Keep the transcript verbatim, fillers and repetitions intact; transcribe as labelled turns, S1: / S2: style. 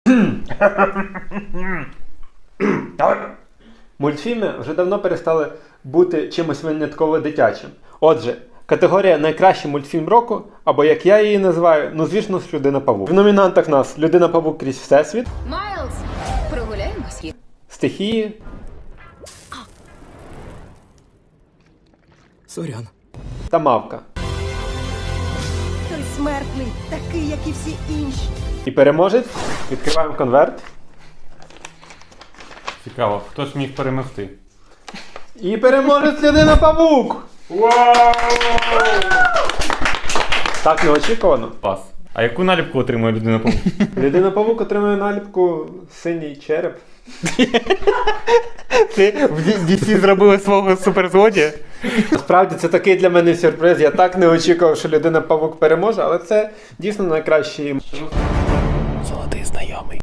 S1: Мультфільми вже давно перестали бути чимось винятково дитячим. Отже, категорія «Найкращий мультфільм року», або як я її називаю, ну звісно ж «Людина-павук». В номінантах нас «Людина-павук крізь Всесвіт»,
S2: Майлз, прогуляємось?
S1: «Стихії»,
S3: Сорян.
S1: та «Мавка».
S4: Той смертний, такий, як і всі інші.
S1: І переможець, відкриваємо конверт.
S5: Цікаво, хто ж міг перемогти?
S1: І переможець Людина-павук! Так неочікувано.
S5: Клас. А яку наліпку отримує людина павук?
S1: Людина-павук отримує наліпку «Синій череп».
S5: Ти в ді сі зробили свого суперзлодія?
S1: Насправді це такий для мене сюрприз. Я так не очікував, що Людина-павук переможе, але це дійсно найкращий.